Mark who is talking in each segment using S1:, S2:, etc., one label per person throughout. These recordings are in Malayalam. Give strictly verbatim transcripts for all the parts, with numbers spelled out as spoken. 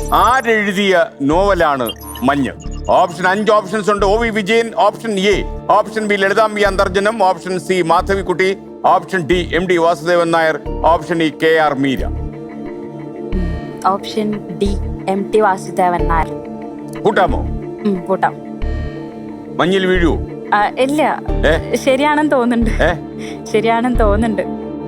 S1: ആരെഴുതിയ നോവലാണ് മഞ്ഞ്? ഓപ്ഷൻ അഞ്ച് ഓപ്ഷൻസ് ഉണ്ട്. O V Vijayan, option A option B Lalithambika Antharjanam, option C Madhavikutty, option D M D Vasudevan Nair, option E K R Meera.
S2: Option D M T Vasudevan Nair.
S1: കൂട്ടാമോ?
S2: കൂട്ടാം.
S1: മഞ്ഞിൽ വീഴൂ?
S2: ഇല്ല, ശരിയാണെന്ന് തോന്നുന്നുണ്ട്. ശരിയാണെന്ന് തോന്നുന്നുണ്ട്.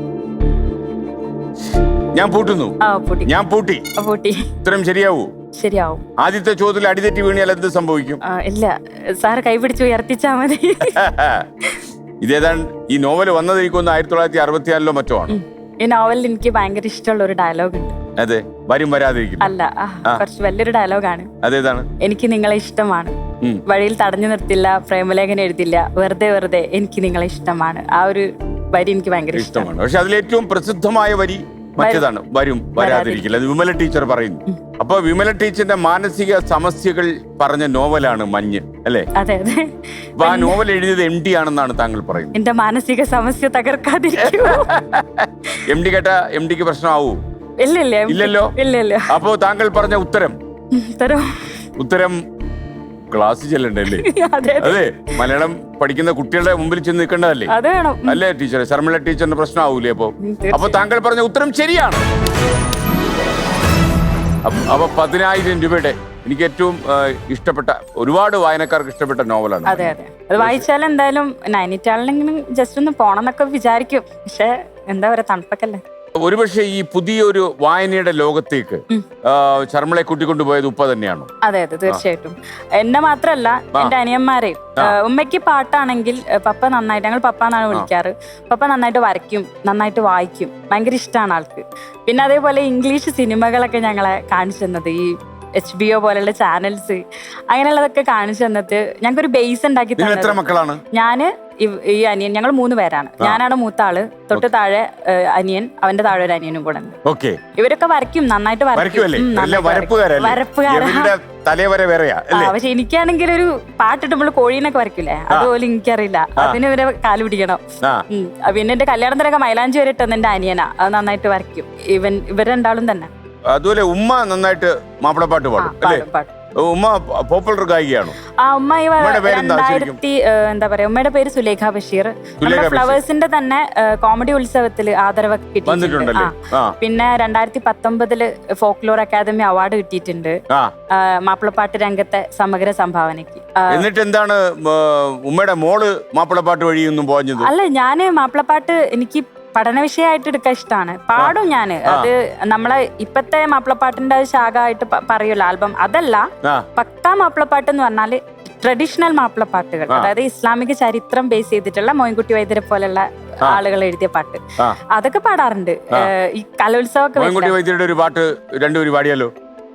S1: ഞാൻ പൂട്ടുന്നു. ഞാൻ പൂട്ടി.
S2: പൂട്ടി.
S1: ഉത്തരം ശരിയാവൂ?
S2: ശരിയാവും.
S1: ആദ്യത്തെ ചോദ്യത്തിൽ അടിതെറ്റി വീണിയാൽ എന്ത് സംഭവിക്കും?
S2: ഇല്ല, സാറ് കൈപിടിച്ച് ഉയർത്തിച്ചാ മതി.
S1: ഇതേതാണ് ഈ നോവൽ വന്നതിരിക്കുന്ന ആയിരത്തി തൊള്ളായിരത്തി അറുപത്തിനാലിലോ മറ്റോ ആണ്.
S2: ഈ നോവലിൽ എനിക്ക് ഭയങ്കര ഇഷ്ടമുള്ള ഒരു ഡയലോഗ് ഉണ്ട്.
S1: അതെ, വരും വരാതിരിക്കും.
S2: അല്ല, കുറച്ച് വലിയൊരു ഡയലോഗാണ്.
S1: അതേതാണ്?
S2: എനിക്ക് നിങ്ങളെ ഇഷ്ടമാണ്, വഴിയിൽ തടഞ്ഞു നിർത്തില്ല, പ്രേമലേഖനം എഴുതില്ല, വെറുതെ വെറുതെ എനിക്ക് നിങ്ങളെ ഇഷ്ടമാണ്. ആ ഒരു വരി എനിക്ക് ഭയങ്കര ഇഷ്ടമാണ്.
S1: പക്ഷെ അതിലേറ്റവും പ്രസിദ്ധമായ വരി മറ്റേതാണ്, വരും വരാതിരിക്കില്ല. അത് വിമല ടീച്ചർ പറയുന്നു. അപ്പൊ വിമല ടീച്ചറിന്റെ മാനസിക സമസ്യകൾ പറഞ്ഞ നോവലാണ് മഞ്ഞ്, അല്ലേ?
S2: അതെ അതെ.
S1: അപ്പൊ ആ നോവൽ എഴുതിയത് എം ഡി ആണെന്നാണ് താങ്കൾ പറയുന്നത്.
S2: എന്റെ മാനസിക സമസ്യ തകർക്കാതിരിക്കും.
S1: എം ഡി കേട്ട എം ഡിക്ക് പ്രശ്നമാവൂ?
S2: ഇല്ലല്ലോ. ഇല്ലല്ലോ.
S1: അപ്പോ താങ്കൾ പറഞ്ഞ ഉത്തരം ഉത്തരം ക്ലാസ് ചെല്ലണ്ടല്ലേ? അതെ, മലയാളം പഠിക്കുന്ന കുട്ടികളുടെ മുമ്പിൽ ചെന്ന് നിൽക്കേണ്ടതല്ലേ? അല്ലേ ടീച്ചറെ? ശർമിള ടീച്ചറിന് പ്രശ്നമാവൂലേ? അപ്പൊ അപ്പൊ താങ്കൾ പറഞ്ഞ ഉത്തരം ശരിയാണ്. അപ്പൊ പതിനായിരം രൂപയുടെ എനിക്ക് ഏറ്റവും ഇഷ്ടപ്പെട്ട, ഒരുപാട് വായനക്കാർക്ക് ഇഷ്ടപ്പെട്ട നോവലാണ്.
S2: അതെ അതെ. അത് വായിച്ചാൽ എന്തായാലും നൈനിറ്റാളിലെങ്കിലും ജസ്റ്റ് ഒന്ന് പോണം എന്നൊക്കെ വിചാരിക്കും. പക്ഷെ എന്താ പറയാ, തണുപ്പൊക്കെ.
S1: ഒരുപക്ഷെ ഈ പുതിയൊരു വായനയുടെ ലോകത്തേക്ക് ശർമിളയെ കൂട്ടിക്കൊണ്ടുപോയത് ഉപ്പ തന്നെയാണോ?
S2: അതെ അതെ, തീർച്ചയായിട്ടും. എന്നെ മാത്രല്ല, എന്റെ അനിയന്മാരെയും. ഉമ്മയ്ക്ക് പാട്ടാണെങ്കിൽ പപ്പ നന്നായിട്ട്, ഞങ്ങൾ പപ്പ എന്നാണ് വിളിക്കാറ്. പപ്പ നന്നായിട്ട് വരയ്ക്കും, നന്നായിട്ട് വായിക്കും, ഭയങ്കര ഇഷ്ടമാണ് ആൾക്ക്. പിന്നെ അതേപോലെ ഇംഗ്ലീഷ് സിനിമകളൊക്കെ ഞങ്ങളെ കാണിച്ചു തന്നത്, ഈ എച്ച് ബി ഒ പോലുള്ള ചാനൽസ്, അങ്ങനെയുള്ളതൊക്കെ കാണിച്ചു തന്നിട്ട് ഞങ്ങൾക്കൊരു ബേസ് ഉണ്ടാക്കി തന്നത്. ഞാന് ഈ അനിയൻ, ഞങ്ങൾ മൂന്ന് പേരാണ്. ഞാനാണ് മൂത്ത ആള്, തൊട്ട് താഴെ അനിയൻ, അവന്റെ താഴെ ഒരു അനിയനും കൂടെ ഉണ്ട്. ഇവരൊക്കെ വരയ്ക്കും, നന്നായിട്ട് വരയ്ക്കും. പക്ഷെ എനിക്കാണെങ്കിൽ ഒരു പാട്ടിട്ടുമ്പോൾ കോഴീനൊക്കെ വരയ്ക്കില്ലേ, അതുപോലെ എനിക്കറിയില്ല. അതിന് ഇവരെ കാല് പിടിക്കണം. പിന്നെ എന്റെ കല്യാണത്തിനൊക്കെ മൈലാഞ്ചി വരെ ഇട്ടെന്ന് എന്റെ അനിയനാ, അത് നന്നായിട്ട് വരയ്ക്കും. ഇവൻ ഇവർ രണ്ടാളും തന്നെ.
S1: അതുപോലെ ഉമ്മ നന്നായിട്ട് മാപ്പിളപ്പാട്ട് പാടും അല്ലേ? ഉമ്മ പോപ്പുലർ ഗായികയാണോ?
S2: ആ, ഉമ്മ രണ്ടായിരത്തി എന്താ പറയാ, ഉമ്മയുടെ പേര് സുലേഖ ബഷീർ. ഫ്ലവേഴ്സിന്റെ തന്നെ കോമഡി ഉത്സവത്തില് ആദരവ് കിട്ടിയിട്ടുണ്ട്. പിന്നെ രണ്ടായിരത്തി പത്തൊമ്പതില് ഫോക്ലോർ അക്കാദമി അവാർഡ് കിട്ടിയിട്ടുണ്ട് മാപ്പിളപ്പാട്ട് രംഗത്തെ സമഗ്ര സംഭാവനയ്ക്ക്.
S1: എന്നിട്ട് എന്താണ് ഉമ്മയുടെ മോള് മാപ്പിളപ്പാട്ട് വഴിയൊന്നും പോഞ്ഞത്?
S2: അല്ല, ഞാന് മാപ്പിളപ്പാട്ട് എനിക്ക് പഠന വിഷയമായിട്ട് എടുക്കാൻ ഇഷ്ടമാണ്. പാടും ഞാന്. അത് നമ്മളെ ഇപ്പത്തെ മാപ്പിളപ്പാട്ടിന്റെ ശാഖ ആയിട്ട് പറയുമല്ലോ ആൽബം, അതല്ല. പക്കാ മാപ്പിളപ്പാട്ട് എന്ന് പറഞ്ഞാല് ട്രഡീഷണൽ മാപ്പിളപ്പാട്ടുകൾ, അതായത് ഇസ്ലാമിക ചരിത്രം ബേസ് ചെയ്തിട്ടുള്ള മോയിൻകുട്ടി വൈദ്യരെ പോലുള്ള ആളുകൾ എഴുതിയ പാട്ട്, അതൊക്കെ പാടാറുണ്ട്. ഈ കലോത്സവമൊക്കെ.
S1: മോയിൻകുട്ടി വൈദ്യരുടെ ഒരു പാട്ട് രണ്ടുപേരും പാടിയാലോ?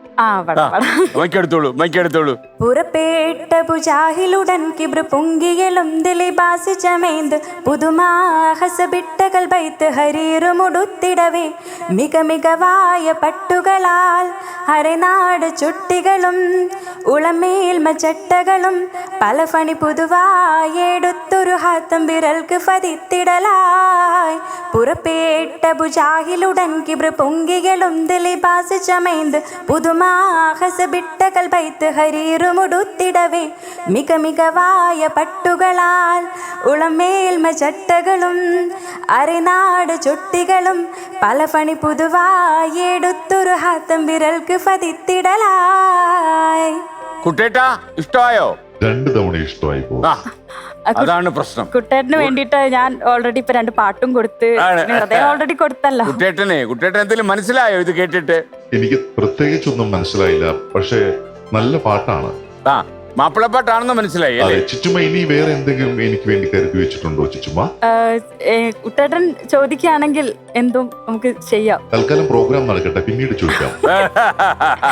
S2: പുറപ്പെട്ട പുജാഹിലുടൻ കിബ്ര പൊങ്കിയലും ദിലിബാസി ചമേന്ത് പുതുമാഹസബിട്ടകൾ ബൈത്ത് ഹരീറുമുടുത്തിടവേ മിക മികവായ പട്ടുകളാൽ അരനാട് ചുട്ടികളും ഉളമേൽമ ചട്ടകളും പല ഫണി പുതുവായെടുത്തൊരു ഹാത്തം വിരൽക്ക് പതിത്തിടലായി. പുറപ്പെട്ട പുജാഹിലുടൻ കിബ്ര പൊങ്കിയലും ദിലിബാസി ചമേന്ത് പുതുമാഹസബിട്ടകൾ ബൈത്ത് ഹരീറുമുടുത്തിടവേ മിക മികവായ പട്ടുകളാൽ ഉളമേൽമ ചട്ടകളും അരനാട് ചുട്ടികളും പല ഫണി പുതുവായെടുത്തൊരു ഹാത്തം വിരൽക്ക് പതിത്തിടലായി.
S1: കുട്ടേട്ടാ, ഇഷ്ടമായോ?
S3: രണ്ടു തവണ ഇഷ്ടമായി പോകും.
S1: അതാണ് പ്രശ്നം.
S2: കുട്ടേട്ടന് വേണ്ടിട്ട് ഞാൻ ഓൾറെഡി ഇപ്പൊ രണ്ട് പാട്ടും കൊടുത്ത് ഓൾറെഡി കൊടുത്തല്ലോ.
S1: കുട്ടേട്ടനെ കുട്ടേട്ടൻ എന്തെങ്കിലും മനസ്സിലായോ ഇത് കേട്ടിട്ട്?
S3: എനിക്ക് പ്രത്യേകിച്ചൊന്നും മനസ്സിലായില്ല, പക്ഷേ നല്ല പാട്ടാണ്.
S1: ആ, മാപ്പിളപ്പാട്ടാണെന്ന് മനസ്സിലായി.
S3: ചിച്ചുമ്മ, ഇനി വേറെ എന്തെങ്കിലും എനിക്ക് വേണ്ടി കരുതി വെച്ചിട്ടുണ്ടോ ചിച്ചുമ്മ?
S2: കുട്ടേട്ടൻ ചോദിക്കുകയാണെങ്കിൽ എന്തും നമുക്ക് ചെയ്യാം.
S3: തൽക്കാലം പ്രോഗ്രാം നടക്കട്ടെ, പിന്നീട് ചോദിക്കാം.